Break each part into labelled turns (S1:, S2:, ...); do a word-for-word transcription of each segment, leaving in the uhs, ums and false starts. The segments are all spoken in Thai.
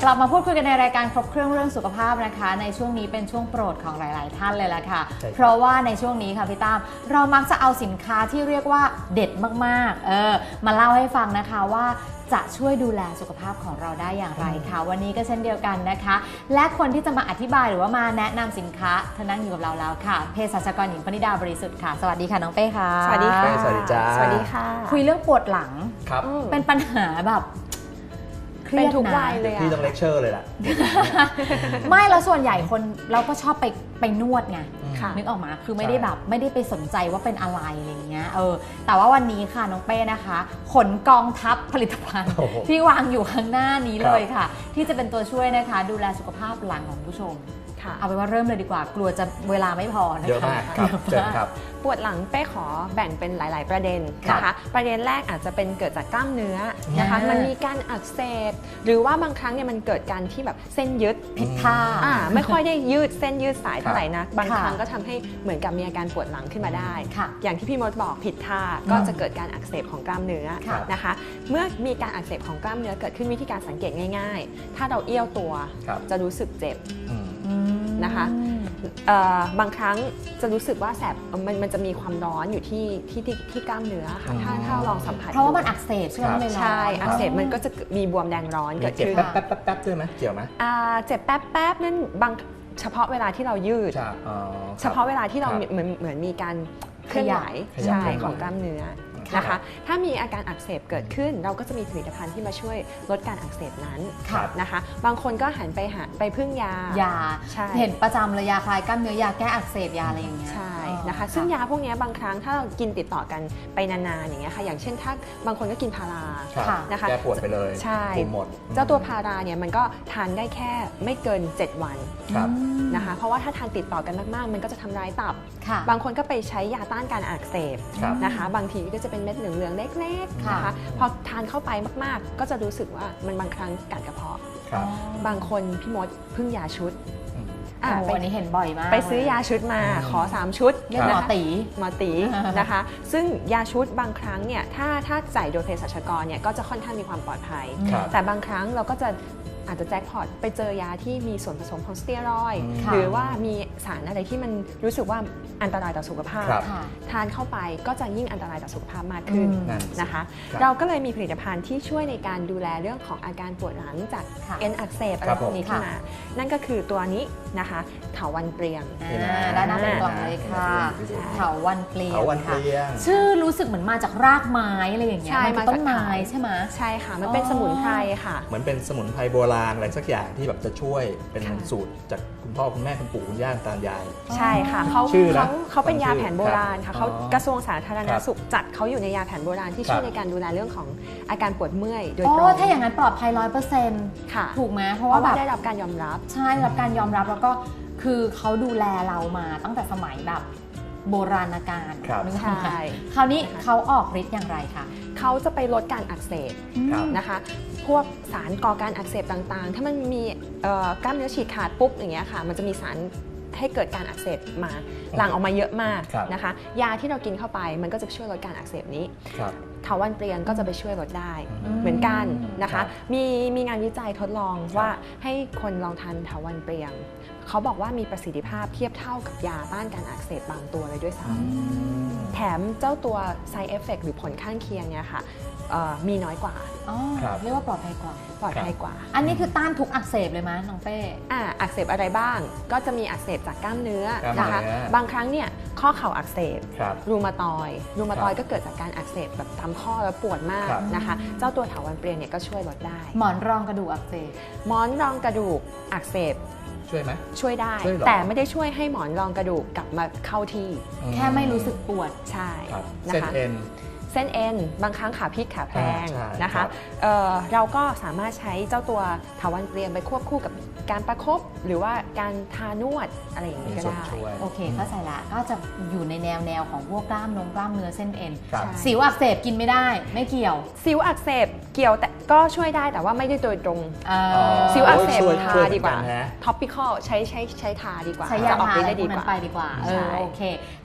S1: ลับมาพูดคุยกันในรายการครบเครื่องเรื่องสุขภาพนะคะในช่วงนี้เป็นช่วงโปรดของหลายๆท่านเลยล่ะค่ะเพราะว่าในช่วงนี้ค่ะพี่ตั้มเรามักจะเอาสินค้าที่เรียกว่าเด็ดมากๆเออมาเล่าให้ฟังนะคะว่าจะช่วยดูแลสุขภาพของเราได้อย่างไรค่ะวันนี้ก็เช่นเดียวกันนะคะและคนที่จะมาอธิบายหรือว่ามาแนะนำสินค้าเธอนั่งอยู่กับเราแล้วค่ะเภสัชกรหญิงพนิดาบริสุทธิ์ค่ะสวัสดีค่ะน้องเป้ค่ะ
S2: สวัสดีค่ะ
S3: สวัสดีจ้า
S2: สวัสดีค่ะ
S1: คุยเรื่องปวดหลัง
S3: ครับ
S1: เป็นปัญหาแบบ
S2: เป็นทุกวัยเลย
S3: พี่ต้องเลคเชอร์เลยล่ะ
S1: ไม่แล้วส่วนใหญ่คนเราก็ชอบไปไปนวดไงนึกออกมาคือไม่ได้แบบไม่ได้ไปสนใจว่าเป็นอะไรอะไรเงี้ยเออแต่ว่าวันนี้ค่ะน้องเป้นะคะขนกองทัพผลิตภัณฑ์ที่วางอยู่ข้างหน้านี้เลยค่ะที่จะเป็นตัวช่วยนะคะดูแลสุขภาพหลังของผู้ชมเอาไปว่าเริ่มเลยดีกว่ากลัวจะเวลาไม่พอนะคะ
S3: เยอะมากครับเจอครับ
S2: ปวดหลังเป้ขอแบ่งเป็นหลายๆประเด็นนะคะประเด็นแรกอาจจะเป็นเกิดจากกล้ามเนื้อนะคะมันมีการอักเสบหรือว่าบางครั้งเนี่ยมันเกิดการที่แบบเส้นยึด
S1: ผิดท่า
S2: ไม่ค่อยได้ยืดเส้นยืดสายเท่าไหร่นะบางครั้งก็ทำให้เหมือนกับมีอาการปวดหลังขึ้นมาได้อย่างที่พี่มดบอกผิดท่าก็จะเกิดการอักเสบของกล้ามเนื้อนะคะเมื่อมีการอักเสบของกล้ามเนื้อเกิดขึ้นวิธีการสังเกตง่ายๆถ้าเราเอี้ยวตัวจะรู้สึกเจ็บนะคะบางครั้งจะรู้สึกว่าแสบมันมันจะมีความร้อนอยู่ที่ที่ที่กล้ามเนื้อค่ะถ้าถ้าลองสัมผัส
S1: เพราะว่ามันอักเสบใช่ไหม
S2: ใช่อักเสบมันก็จะมีบวมแดงร้อนเกิดขึ้น
S3: เจ็บแป๊บแป๊บแป๊บด้วยไหมเกี่ยวไหม
S2: เจ็บแป๊บแป๊บนั่นบางเฉพาะเวลาที่เรายืดเฉพาะเวลาที่เราเหมือนเหมือนมีการเคลื่อนไหวใช่ของกล้ามเนื้อนะคะถ้ามีอาการอักเสบเกิดขึ้นเราก็จะมีผลิตภัณฑ์ที่มาช่วยลดการอักเสบนั้นนะคะบางคนก็หันไปหาไปพึ่งยาย
S1: าเห็นประจำเลยยาคลายกล้ามเนื้อยาแก้อักเสบยาอะไรอย่างเงี้ย
S2: ใช่นะคะซึ่งยาพวกนี้บางครั้งถ้าเรากินติดต่อกันไปนานๆอย่างเงี้ยค่ะอย่างเช่นถ้าบางคนก็กินพารา
S3: นะคะแก้ปวดไปเลย
S2: ใช่หมดเจ้าตัวพาราเนี่ยมันก็ทานได้แค่ไม่เกินเจ็ดวันนะคะเพราะว่าถ้าทานติดต่อกันมากๆมันก็จะทำร้ายตับบางคนก็ไปใช้ยาต้านการอักเสบนะคะบางทีก็จะเป็นเม็ดเหลืองๆเล็กๆนะคะพอทานเข้าไปมากๆก็จะรู้สึกว่ามันบางครั้งกัดกระเพาะบางคนพี่มดพึ่งยาชุด
S1: วันนี้เห็นบ่อยมาก
S2: ไปซื้อยาชุดมาขอสามชุด
S1: เรียกหมอตี
S2: หมอตีนะคะซึ่งยาชุดบางครั้งเนี่ยถ้าถ้าจ่ายโดยเภสัชกรเนี่ยก็จะค่อนข้างมีความปลอดภัยแต่บางครั้งเราก็จะอาจจะแจ็คพอตไปเจอยาที่มีส่วนผสมของสเตียรอยด์หรือว่ามีสารอะไรที่มันรู้สึกว่าอันตรายต่อสุขภาพทานเข้าไปก็จะยิ่งอันตรายต่อสุขภาพมากขึ้นนะคะเราก็เลยมีผลิตภัณฑ์ที่ช่วยในการดูแลเรื่องของอาการปวดหลังจากเอ็นอักเสบอะไรพวกนี้ขึ้นมานั่นก็คือตัวนี้นะคะเถาวัลย์เปลียง
S1: ด้านหน้าเป็นกล่องเลยค่ะเถาวัลย์เปลียง
S3: ค่ะ
S1: ชื่อรู้สึกเหมือนมาจากรากไม้อะไรอย่างเงี้ยมันต้นไม้ใช่ไหม
S2: ใช่ค่ะมันเป็นสมุนไพรค่ะ
S3: เหมือนเป็นสมุนไพรโบราณอะไรสักอย่างที่แบบจะช่วยเป็นสูตรจากคุณพ่อคุณแม่คุณปู่คุณย่าตายาย
S2: ใช่ค่ะเขาเขาเขาเป็นยาแผนโบราณค่ะเขากระทรวงสาธารณสุขจัดเขาอยู่ในยาแผนโบราณที่ช่วยในการดูแลเรื่องของอาการปวดเมื่อยโดยตรง
S1: ถ้าอย่างนั้นปลอดภัยร้อยเปอร์เซ็นต์ถูกไหมเพราะว่าแบบ
S2: ได้รับการยอมรับ
S1: ใช่ได้รับการยอมรับแล้วก็คือเขาดูแลเรามาตั้งแต่สมัยแบบโบราณกาล
S2: ใช่
S1: คราวนี้เขาออกฤทธิ์อย่างไรคะ
S2: เขาจะไปลดการอักเสบนะคะพวกสารก่อการอักเสบต่างๆถ้ามันมีกล้ามเนื้อฉีกขาดปุ๊บอย่างเงี้ยค่ะมันจะมีสารให้เกิดการอักเสบมาหลั่งออกมาเยอะมากนะคะยาที่เรากินเข้าไปมันก็จะช่วยลดการอักเสบนี้เถาวัลย์เปลียงก็จะไปช่วยลดได้เหมือนกันนะคะมีมีงานวิจัยทดลองว่าให้คนลองทานเถาวัลย์เปลียงเขาบอกว่ามีประสิทธิภาพเทียบเท่ากับยาต้านการอักเสบบางตัวเลยด้วยซ้ำแถมเจ้าตัว side effect หรือผลข้างเคียงเนี่ยค่ะมีน้อยกว่า
S1: เรียกว่าปลอดภัยกว่า
S2: ปลอดภัยกว่า
S1: อันนี้คือต้านทุกอักเสบเลยมั้ยน้องเป้
S2: อ่าอักเสบอะไรบ้างก็จะมีอักเสบจากกล้ามเนื้อนะคะบางครั้งเนี่ยข้อเข่าอักเสบรูมาตอยด์รูมาตอยด์ก็เกิดจากการอักเสบแบบตามข้อแล้วปวดมากนะคะเจ้าตัวเถาวัลย์เปลียงเนี่ยก็ช่วยลดได้
S1: หมอนรองกระดูกอักเสบ
S2: หมอนรองกระดูกอักเสบ
S3: ช่วยไหม
S2: ช่วยได้แต่ไม่ได้ช่วยให้หมอนรองกระดูกกลับมาเข้าที่
S1: แค่ไม่รู้สึกปวด
S2: ใช่
S3: นะคะเส้นเอ็น
S2: เส้นเอ็นบางครั้งขาพลิกขาแพลงนะคะเเราก็สามารถใช้เจ้าตัวเถาวัลย์เปลียงไปควบคู่กับการประคบหรือว่าการทานวดอะไรอย่างนี้ก็ได้
S1: โอเคเข้าใจละก็จะอยู่ในแนวแนวของพวกกล้ามนงกล้ามเนื้อเส้นเอ็นสิวอักเสบกินไม่ได้ไม่เกี่ยว
S2: สิวอักเสบเกี่ยวแต่ก็ช่วยได้แต่ว่าไม่ได้โดยตรงสิวอักเสบทาดีกว่าท็อปปิคอลใช้ใช้ใช้ทาดีกว่า
S1: ใช้ยาทาได้ดีกว่าไปดีกว่าโอเค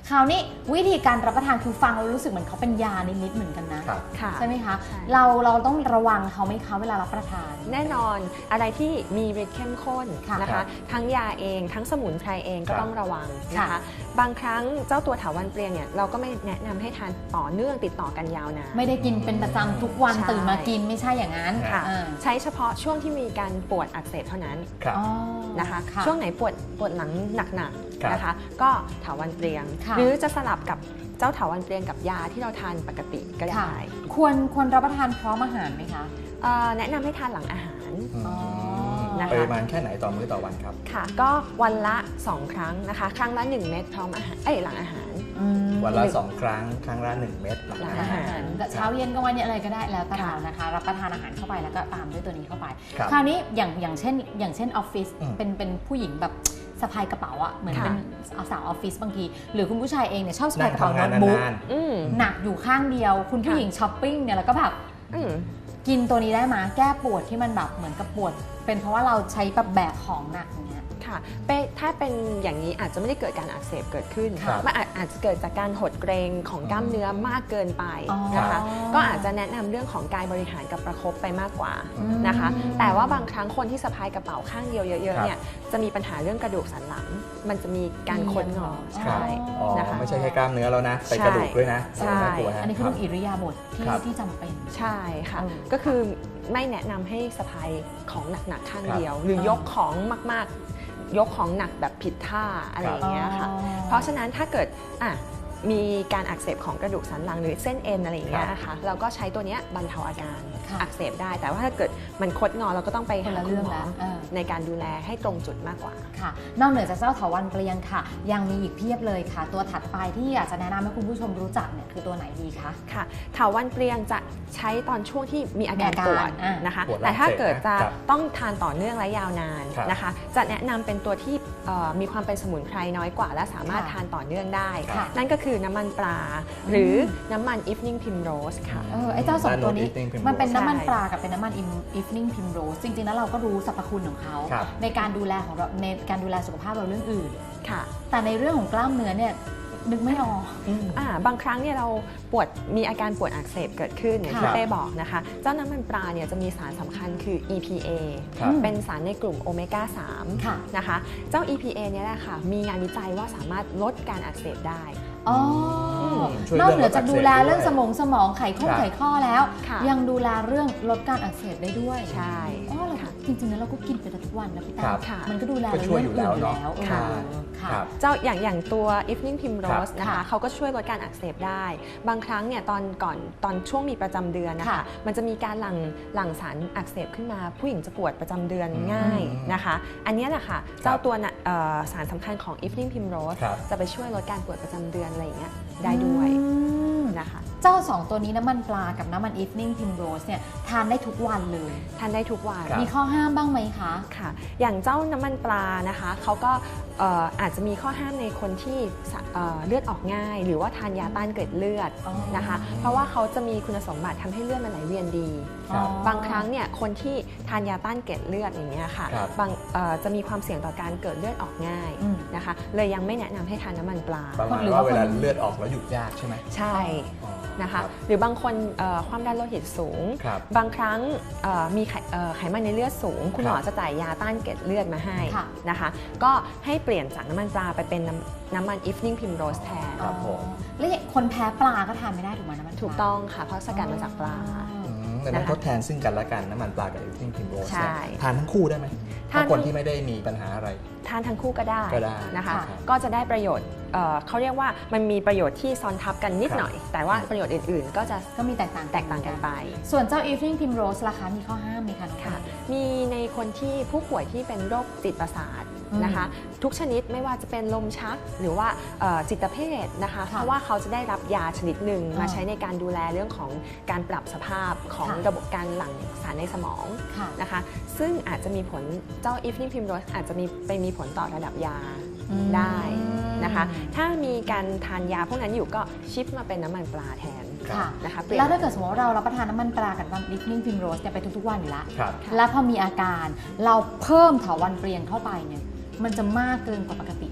S1: คราวนี้วิธีการรับประทานคือฟังแล้วรู้สึกเหมือนเขาเป็นยานิดๆเหมือนกันนะ
S3: ครับ
S2: ค่ะ
S1: ใช่ไหมคะ
S2: ใช่
S1: เราเราต้องระวังเขาไหมคะเวลารับประทาน
S2: แน่นอนอะไรที่มีฤทธิ์เข้มข้น
S1: ค่ะ
S2: นะคะ ทั้งยาเองทั้งสมุนไพรเองก็
S3: ครับ
S2: ต้องระวังนะ
S1: ค่ะ
S2: คะบางครั้งเจ้าตัวเถาวัลย์เปลียงเนี่ยเราก็ไม่แนะนำให้ทานต่อเนื่องติดต่อกันยาวนาน
S1: ไม่ได้กินเป็นประจำทุกวัน
S2: ใช่
S1: ตื่นมากินไม่ใช่อย่างนั้น
S2: ค่ะ
S1: อ่า
S2: ใช้เฉพาะช่วงที่มีการปวดอักเสบเท่านั้น
S3: ครับ
S1: อ๋อ
S2: นะคะ
S1: ค่ะ
S2: ช่วงไหนปวดปวดหลังหนัก
S3: ครับ
S2: ๆนะคะก็เถาวัลย์เปลียง
S1: ค่ะ
S2: หรือจะสลับกับเจ้าเถาวัลย์เปลียงกับยาที่เราทานปกติก็
S1: ค่ะ
S2: ได้
S1: ควรควรรับประทานพร้อมอาหารไหมคะ
S2: เอ่อแนะนำให้ทานหลังอาหาร
S3: อืม
S2: นะคะ
S3: ปริมาณแค่ไหนต่อมื้อต่อวันครับ
S2: ค่ะ ก็วันละ สอง ครั้งนะคะ ครั้งละ หนึ่ง เม็ดพร้อมอาหารเอ้ยหลังอาหาร
S1: อืม
S3: วันละสองครั้งครั้งละหนึ่งเม็ดหลัง
S2: หลัง
S3: อา
S2: อา
S3: หา
S2: หาร ร
S1: เช้าเย็นกลางวันเย็นอะไรก็ได้แล้วแต่
S2: ค่ะ
S1: เรานะคะ รับประทานอาหารเข้าไปแล้วก็ตามด้วยตัวนี้เข้าไป
S3: ครับ
S1: คราวนี้อย่างอย่างเช่น อย่างเช่นออฟฟิศ
S3: อืม
S1: เป็นเป็นผู้หญิงแบบสะพายกระเป๋าอะเหมือน
S2: ค่ะ
S1: เป็นสาวออฟฟิศบางที หรือคุณผู้ชายเองเนี่ยชอบสะ
S3: นั่
S1: พาย
S3: ง
S1: กระเป๋า
S3: ทำงาน
S1: โน้ตบุ๊ก
S3: นาน
S2: อืม
S1: หนักอยู่ข้างเดียว คุณผู้
S2: ค่ะ
S1: หญิงช้อปปิ้งเนี่ยแล้วก็แบบ
S2: อืม
S1: กินตัวนี้ได้มาแก้ปวดที่มันแบบเหมือนกับปวด เป็นเพราะว่าเราใช้แบบแบกของหนักอย่างเงี้ย
S2: ค่ะเป้ถ้าเป็นอย่างนี้อาจจะไม่ได้เกิดการอักเสบเกิดขึ้น
S3: ครับ
S2: มันอาจอาจจะเกิดจากการหดเกรงของกล้ามเนื้อมากเกินไป
S1: อ๋อ
S2: นะคะ ก็อาจจะแนะนำเรื่องของกายบริหารกับประคบไปมากกว่า
S3: อืม
S2: นะคะ แต่ว่าบางครั้งคนที่สะพายกระเป๋าข้างเดียวเย
S3: ครั
S2: อะ
S3: บ
S2: ๆเนี่ยจะมีปัญหาเรื่องกระดูกสันหลัง มันจะมีการคดงอ
S1: ใช่
S2: ใช่
S3: อ๋อ
S2: นะคะ
S3: ไม่ใช่แค่กล้ามเนื้อแล้วนะ ไป
S2: ใช่
S3: กระดูกด้วยนะ
S2: ใช่
S3: น่ากลัวฮะ
S1: อันนี้คือ
S3: ค
S1: เรื่
S3: รั
S1: อบ งอิริยาบถที่
S3: ครับ
S1: ที่จำเป็น
S2: ใช่ค่ะ
S1: อืม
S2: ก็คือไม่แนะนำให้สะพายของหนักๆข้าง
S3: ครับ
S2: เดียว หรือยกของมากๆ ยกของหนักแบบผิดท่าอะไรอย่างเงี้ยค่ะ
S1: อ๋อ
S2: เพราะฉะนั้นถ้าเกิดอ่ะมีการอักเสบของกระดูกสันหลังหรือเส้นเอ็นอะไรอย่างเงี้ยนะคะเราก็ใช้ตัวเนี้ยบรรเทาอาการ
S1: ค่ะ
S2: อักเสบได้ แต่ว่าถ้าเกิดมันคดงอเราก็ต้องไป
S1: คน
S2: หา
S1: ละ
S2: คุ
S1: เรื่
S2: ณ
S1: อง
S2: หมอ
S1: แล้วเออ
S2: ในการดูแลให้ตรงจุดมากกว่า
S1: ค่ะ นอกเหนือจากเจ้าเถาวัลย์เปลียงค่ะ ยังมีอีกเพียบเลยค่ะ ตัวถัดไปที่อยากจะแนะนำให้คุณผู้ชมรู้จักเนี่ยคือตัวไหนดีคะ
S2: ค่ะเถาวัลย์เปลียงจะใช้ตอนช่วงที่มีอาการ
S1: มีอาการ
S2: ปวด
S1: อ่ะ
S2: นะคะ
S3: ปวดหลัง
S2: แต่ถ้าเกิดจะ
S3: ครับ
S2: ต้องทานต่อเนื่องและยาวนาน
S3: ครับ
S2: นะคะ จะแนะนำเป็นตัวที่เอ่อมีความเป็นสมุนไพรน้อยกว่า และสามารถ
S1: ค่ะ
S2: ทานต่อเนื่องได้
S1: ค่ะ
S2: นั่นก็คือน้ำมันปลา หรือน้ำมัน evening primrose ค่ะ
S1: เออไอ้เจ้าสองตัวนี้
S3: Nano Evening Primrose
S1: มันเป็นน้ำมัน
S2: ใช่
S1: ปลากับเป็นน้ำมัน evening primrose จริงๆแล้วเราก็รู้สรรพคุณของเขา
S3: ครับ
S1: ในการดูแลของเราในการดูแลสุขภาพเราเรื่องอื่น
S2: ค่ะ
S1: แต่ในเรื่องของกล้ามเนื้อเนี่ยนึกไม่ออก
S2: อ่าบางครั้งเนี่ยเราปวดมีอาการปวดอักเสบเกิดขึ้นอย่าง
S1: ค่ะ
S2: ที่เป้บอกนะคะ เจ้าน้ำมันปลาเนี่ยจะมีสารสำคัญคือ อี พี เอ
S3: ครับ
S2: เป็นสารในกลุ่มโอเมก้า สาม
S1: ค่ะ
S2: นะคะ เจ้า อี พี เอ เนี่ยแหละค่ะมีงานวิจัยว่าสามารถลดการอักเสบได้
S1: อ๋อ
S3: ช่วย
S1: นอกเหนือจากดูแล
S3: เรื่อง
S1: เรื่องสมองสมองไขข้อ
S3: ครับ
S1: ไขข้อแล้ว
S2: ค่ะ
S1: ยังดูแลเรื่องลดการอักเสบได้ด้วย
S2: ใช่
S1: อ๋อเหรอ
S2: ค่ะ
S1: จริงๆแล้วเราก็กินไปทุกวันนะพี่
S3: ครั
S1: ตา
S3: บ
S2: ค่ะ
S1: มันก็ดูแล
S3: ก็ช่วยอยู่แล้วเนอะ
S1: เออ
S2: ค่ะ
S1: ค่ะ
S3: ครับ
S2: เจ้าอย่างอย่างตัว evening primrose
S1: ครับ
S2: นะคะ
S1: ค่ะ
S2: เขาก็ช่วยลดการอักเสบได้ บางครั้งเนี่ยตอนก่อนตอนช่วงมีประจำเดือนนะคะ
S1: ค่ะ
S2: มันจะมีการหลั่งหลั่งสารอักเสบขึ้นมา ผู้หญิงจะปวดประจำเดือน
S3: อืม
S2: ง่ายนะคะ อันเนี้ยแหละค่ะเจ้าตัวน่ะเอ่อสารสำคัญของ evening primrose
S3: ครับ
S2: จะไปช่วยลดการปวดประจำเดือนอะไรอย่างเงี้ยได้ด้วย
S1: อืม
S2: นะคะ
S1: เจ้าสองตัวนี้น้ำมันปลากับน้ำมัน evening primrose เนี่ยทานได้ทุกวันเลย
S2: ทานได้ทุกวัน
S3: ครับ
S1: มีข้อห้ามบ้างไหมคะ
S2: ค่ะ อย่างเจ้าน้ำมันปลานะคะเขาก็เอ่ออาจจะมีข้อห้ามในคนที่สะเอ่อเลือดออกง่าย หรือว่าทานยาต้านเกล็ดเลือด
S1: อ๋อ
S2: นะคะ เพราะว่าเขาจะมีคุณสมบัติทำให้เลือดมันไหลเวียนดี
S3: ครับ
S2: บางครั้งเนี่ยคนที่ทานยาต้านเกล็ดเลือดอย่างเงี้ยค่ะ
S3: ครับ
S2: บางเอ่อจะมีความเสี่ยงต่อการเกิดเลือดออกง่าย
S1: อืม
S2: นะคะ เลยยังไม่แนะนำให้ทานน้ำมันปลา
S3: ประมาณ
S1: หรือ
S3: ว่า
S1: ว่า
S3: เวลา
S1: คน
S3: เลือดออกแล้วหยุดยากใช่ไหม
S2: ใช่
S3: อ๋อ
S2: นะคะ
S3: รับ
S2: หรือบางคนเอ่อความดันโลหิตสูง
S3: ครับ
S2: บางครั้งเอ่อมีไขเอ่อไขมันในเลือดสูง คุณหมอ
S3: ครับ
S2: จะจ่ายยาต้านเกล็ดเลือดมาให้
S1: ค่ะ
S2: นะคะ ก็ให้เปลี่ยนจากน้ำมันปลาไปเป็นน้ำน้ำมัน evening primrose แทน
S3: ครับผม
S1: แล้วอย่างคนแพ้ปลาก็ทานไม่ได้ถูกไหมน้ำมันปลา
S2: ถูกต้องค่ะ เพราะสกัดมาจากปลา
S3: อืมแต่มัน
S2: นะคะ
S3: ทดแทนซึ่งกันและกันน้ำมันปลากับ evening primrose
S2: ใช่
S3: เนี่ยทานทั้งคู่ได้ไหม
S2: ทาน
S3: ถ้าคนที่ไม่ได้มีปัญหาอะไร
S2: ทานทั้งคู่ก็ได้
S3: ก็ได้
S2: นะคะ
S3: ครับ
S2: ก็จะได้ประโยชน์เอ่อเขาเรียกว่ามันมีประโยชน์ที่ซ้อนทับกันนิด
S3: ครับ
S2: หน่อย แต่ว่าประโยชน์อื่นๆ ก็จะ
S1: ก็มีแตกต่าง
S2: แตกต่างกันไป
S1: ส่วนเจ้า evening primrose ราคามีข้อห้ามไหมคะน้อง
S2: ค่ะ
S1: ปา
S2: มีในคนที่ผู้ป่วยที่เป็นโรคจิตประสาท
S1: อืม
S2: นะคะ ทุกชนิดไม่ว่าจะเป็นลมชักหรือว่าเอ่อจิตเภทนะคะ
S1: ค่ะ
S2: เพราะว่าเขาจะได้รับยาชนิดหนึ่ง
S1: อ่าม
S2: มาใช้ในการดูแลเรื่องของการปรับสภาพของ
S1: ค่ะ
S2: ระบบการหลั่งสารในสมอง
S1: ค่ะ
S2: นะคะ ซึ่งอาจจะมีผลเจ้า evening primrose อาจจะมีไปมีผลต่อระดับยา
S1: อืม
S2: ได้นะคะ ถ้ามีการทานยาพวกนั้นอยู่ก็ชิปมาเป็นน้ำมันปลาแทน
S1: ค่ะ
S2: นะคะเปลี่ยน
S1: แล้วถ้าเกิดสมมติว่าเรารับประทานน้ำมันปลากับน้ำ evening primrose เนี่ยไปทุกๆวันอยู่แล้ว
S3: ครับ
S1: แล้วพอมีอาการเราเพิ่มเถาวัลย์เปลียงเข้าไปเนี่ยมันจะมากเกินกว่าปกตินะ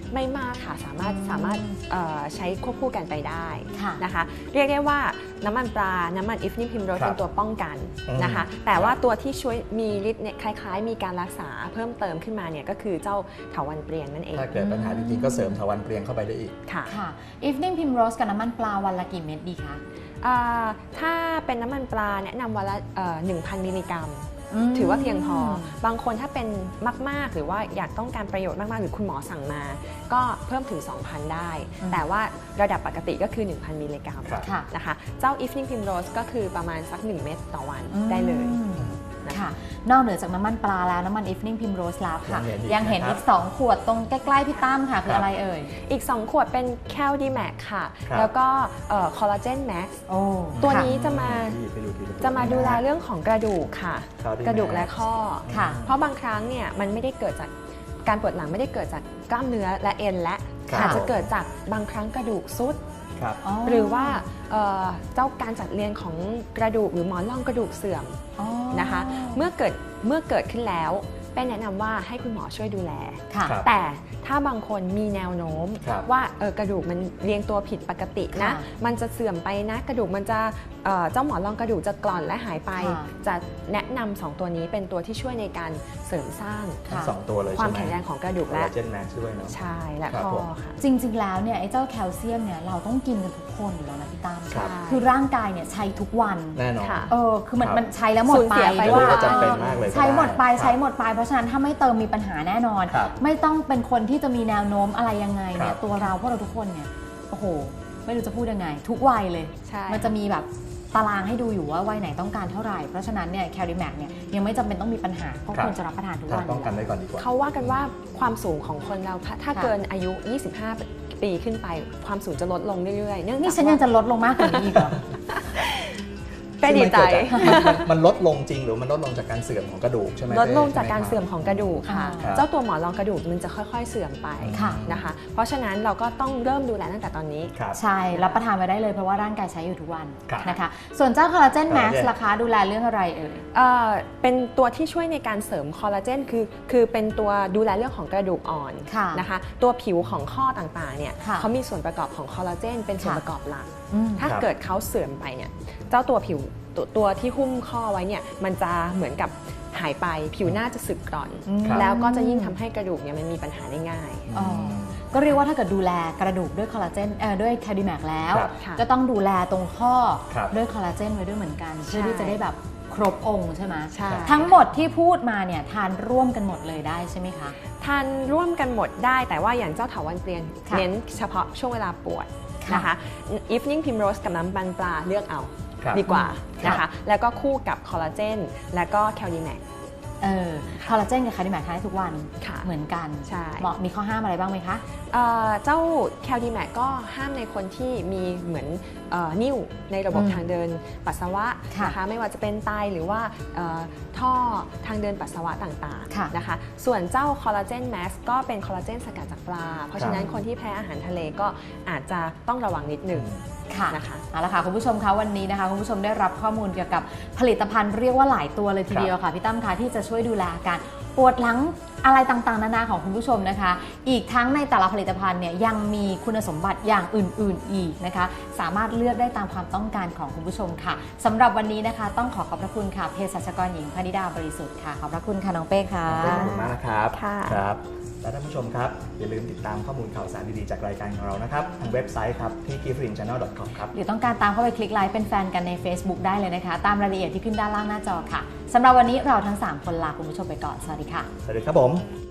S2: ไม่มากค่ะสามารถ
S1: อืม
S2: สามารถเอ่อใช้ควบคู่กันไปได้
S1: ค่ะ
S2: นะคะเรียกได้ว่าน้ำมันปลา น้ำมัน Evening Primrose
S3: ครับ
S2: เป็นตัวป้องกัน
S3: อืม
S2: นะคะแต่ว่าตัวที่ช่วยมีฤทธิ์เนี่ยคล้ายๆ มีการรักษาเพิ่มเติมขึ้นมาเนี่ยก็คือเจ้าเถาวัลย์เปรียงนั่นเอง
S3: ถ้าเกิดปัญหาจริงๆก็เสริมเถาวัลย์เปรียงเข้าไปได้อีก
S2: ค่ะ
S1: ค่ะ Evening Primrose กับน้ำมันปลาวันละกี่เม็ดดีคะ
S2: อ่าถ้าเป็นน้ำมันปลาแนะนำวันละเอ่อ หนึ่งพัน มิลลิกรัม
S1: ม
S2: ถือว่าเพียงพอ บางคนถ้าเป็นมากๆ หรือว่าอยากต้องการประโยชน์มากๆ หรือคุณหมอสั่งมา ก็เพิ่มถึง สองพัน ได้
S1: อืม
S2: แต่ว่าระดับปกติก็คือ หนึ่งพัน มิลลิกรัม
S3: ครับ
S1: ค่ะ
S2: นะคะเจ้า Evening Primrose ก็คือประมาณสัก หนึ่ง เม็ดต่อวัน
S1: อืม
S2: ได้เลย
S1: ค่ะ นอกเหนือจากน้ำมันปลาแล้วน้ำมัน Evening Primrose แล้วค่ะ
S3: ยั
S1: ยัง
S3: งเห็
S1: เห็น
S3: นอี
S1: อี
S3: ก
S1: ก
S3: นะครับ
S1: สองขวดตรงใกล้ๆพี่ตั้มค่ะ คืออะไรเอ่ย
S2: อีก สอง ขวดเป็น Caldimac ค่ะ
S3: ครับ
S2: แล้วก็คอลลาเจน Max
S1: โอ้
S2: ตัว
S1: ค่ะ
S2: นี้จะมา
S3: ไปดูทีลตัว
S2: จะมาดูแลเรื่องของกระดูกค่ะ
S3: Caldimac
S2: กระดูกและข้อ
S1: ค่ะ
S2: เพราะบางครั้งเนี่ยมันไม่ได้เกิดจากการปวดหลังไม่ได้เกิดจากกล้ามเนื้อและเอ็นและ
S3: ครับ
S2: อาจจะเกิดจากบางครั้งกระดูกซุด
S3: ครับ
S2: หรือว่าเอ่อเจ้าการจัดเรียงของกระดูกหรือหมอนรองกระดูกเสื่อม
S1: อ๋อ
S2: นะคะเมื่อเกิดเมื่อเกิดขึ้นแล้วเป็นแนะนำว่าให้คุณหมอช่วยดูแล
S1: ค่ะ
S3: ครับ
S2: แต่ถ้าบางคนมีแนวโน้ม
S3: ครับ
S2: ว่าเออกระดูกมันเรียงตัวผิดปกตินะ
S1: ค่ะ
S2: มันจะเสื่อมไปนะกระดูกมันจะเอ่อเจ้าหมอนรองกระดูกจะกร่อนและหายไป
S1: ค่ะ
S2: จะแนะนำสองตัวนี้เป็นตัวที่ช่วยในการเสริมสร้าง
S3: ทั้งสองตัวเลย
S2: ควา
S3: ใช่
S2: ม
S3: ไหม
S2: แข็งแรงของกระดูก
S3: คอล
S2: และ
S3: ลาเจนแม็กซ์ช่วยเนาะ
S2: ใช่และ
S3: ครับ
S2: ข้อ
S3: ผม
S2: ค่ะ
S1: จริงๆ แล้วเนี่ยไอ้เจ้าแคลเซียมเนี่ยเราต้องกินกันทุกคนอยู่แล้วนะพี่ตั้ม
S3: ครับ
S1: คือร่างกายเนี่ยใช้ทุกวัน
S3: แน่นอน
S2: ค่ะ
S1: เออ คือมัน
S3: ครับ
S1: มันใช้แล้วหมด
S2: สูญ
S1: ไป
S2: เสียไป
S3: ไม่รู้ว่าจำเป็นมากเลยก็
S1: ใช้หมดไป
S3: ได้
S1: ใช้หมดไป เพราะฉะนั้นถ้าไม่เติมมีปัญหาแน่นอน
S3: ครับ
S1: ไม่ต้องเป็นคนที่จะมีแนวโน้มอะไรยังไงเนี่
S3: ครั
S1: ย
S3: บ
S1: ตัวเราพวกเราทุกคนเนี่ย โอ้โห ไม่รู้จะพูดยังไง ทุกวัยเลย
S2: ใช่
S1: มันจะมีแบบตารางให้ดูอยู่ว่าวัยไหนต้องการเท่าไหร่ เพราะฉะนั้นเนี่ยแคลดิแมกเนี่ยยังไม่จำเป็นต้องมีปัญหาก็
S3: ครับ
S1: ควรจะรับประทานทุก
S3: ทา
S1: วัน น
S3: ป้องกันไว้ก่อนดีกว่า
S2: เขาว่ากันว่าความสูงของคนเราถ้าถ้า
S1: ค่ะ
S2: เกินอายุ ยี่สิบห้า ปีขึ้นไป ความสูงจะลดลงเรื่อยๆ เนื่อง
S1: นี่
S2: จาก
S1: ฉันยัง
S2: ว่า
S1: จะลดลงมากกว่านี้อีกเหรอ
S2: ก็ดีใจ
S3: ซึ่งมันเกิดจากมันมันมันลดลงจริงหรือมันลดลงจากการเสื่อมของกระดูกใช่ไหม
S2: ลดลงจาก
S3: ใช่ไห
S2: การเสื่อมของกระดูกค่ะ
S1: อ่า
S2: เจ้าตัวหมอนรองกระดูกมันจะค่อยๆเสื่อมไป
S1: ค่ะ
S2: นะคะ เพราะฉะนั้นเราก็ต้องเริ่มดูแลตั้งแต่ตอนนี้
S3: ครับ
S1: ใช่ รับประทานไปได้เลยเพราะว่าร่างกายใช้อยู่ทุกวัน
S3: ครับ
S1: นะคะ ส่วนเจ้าคอลลาเจนแม็ก
S3: คอลลาเจ
S1: ซ์
S3: น
S1: ราคาดูแลเรื่องอะไรเอ่ย
S2: เอ่อเป็นตัวที่ช่วยในการเสริมคอลลาเจนคือคือเป็นตัวดูแลเรื่องของกระดูกอ่อน
S1: ค่ะ
S2: นะคะ ตัวผิวของข้อต่างๆเนี่ย
S1: ค่ะ
S2: เขามีส่วนประกอบของคอลลาเจนเป็นส่วน
S1: ค่ะ
S2: ประกอบหลัก
S1: อืม
S2: ถ้า
S3: ครับ
S2: เกิดเขาเสื่อมไปเนี่ยเจ้าตัวผิวตัวตัวที่หุ้มข้อไว้เนี่ยมันจะเหมือนกับหายไปผิวหน้าจะสึกกร่อน
S1: อืม
S2: แล้วก็จะยิ่งทำให้กระดูกเนี่ยมันมีปัญหาได้ง่าย
S1: อ๋อ ก็เรียกว่าถ้าเกิดดูแลกระดูกด้วยคอลลาเจนเอ่อด้วยแคลดิแมกแล้ว
S3: ครับ
S2: ค่ะ
S1: ก็ต้องดูแลตรงข้อ
S3: ครับ
S1: ด้วยคอลลาเจนไว้ด้วยเหมือนกัน เพื่อที่จะได้แบบครบองค์ใช่ไหม
S2: ใช่
S1: ทั้งหมดที่พูดมาเนี่ยทานร่วมกันหมดเลยได้ใช่ไหมคะ
S2: ทานร่วมกันหมดได้แต่ว่าอย่างเจ้าเถาวัลย์เปรียง
S1: ค่ะ
S2: เน้นเฉพาะช่วงเวลาปวด
S1: ค่ะ
S2: นะคะ Evening Primrose กับน้ำมันปลาเลือกเอา
S3: ครับ
S2: ดีกว่า
S3: ครับ
S2: นะคะแล้วก็คู่กับคอลลาเจนแล้วก็แคลดิแมก
S1: เออคอลลาเจนกับแคลดิแมกทานได้ทุกวัน
S2: ค่ะ
S1: เหมือนกัน
S2: ใช่
S1: เหมาะมีข้อห้ามอะไรบ้างไหมคะ
S2: เอ่อเจ้าแคลดิแมกก็ห้ามในคนที่มีเหมือนเอ่อนิ่วในระบบ
S1: อืม
S2: ทางเดินปัสสาวะ
S1: ค่ะ
S2: นะคะไม่ว่าจะเป็นไตหรือว่าเอ่อท่อทางเดินปัสสาวะต่าง
S1: ค่ะ
S2: ๆนะคะส่วนเจ้าคอลลาเจนแมสก็เป็นคอลลาเจนสกัดจากปลา เพราะฉะนั้นคนที่แพ้อาหารทะเลก็อาจจะต้องระวังนิดหนึ่ง
S1: ค่ะ
S2: นะคะ
S1: เอาละค่ะคุณผู้ชมคะวันนี้นะคะคุณผู้ชมได้รับข้อมูลเกี่ยวกับผลิตภัณฑ์เรียกว่าหลายตัวเลยทีเดียวค่ะพี่ตั้มคะที่จะช่วยดูแลอาการปวดหลังอะไรต่างๆนานาของคุณผู้ชมนะคะ อีกทั้งในแต่ละผลิตภัณฑ์เนี่ยยังมีคุณสมบัติอย่างอื่นๆอีกนะคะ สามารถเลือกได้ตามความต้องการของคุณผู้ชมค่ะสำหรับวันนี้นะคะ ต้องขอขอบพระคุณค่ะเภสัชกรหญิงพนิดาบริสุทธิ์ค่ะขอบพระคุณค่ะน้องเป้ค่ะ
S3: ขอบคุณมากนะครับ
S2: ค่ะ
S3: ครับ และท่านผู้ชมครับ อย่าลืมติดตามข้อมูลข่าวสารดีๆจากรายการของเรานะครับ ทางเว็บไซต์ครับที่ กิฟต์ริน แชนแนล ดอท คอม ครับ
S1: หรือต้องการตามเข้าไปคลิกไลค์เป็นแฟนกันใน Facebook ได้เลยนะคะ ตามรายละเอียดที่ขึ้นด้านล่างหน้าจอค่ะสำหรับวันนี้เราทั้งสามคนลาคุณผู้ชมไปก่อนสวัสดีค่ะ
S3: สวัสดีครับผม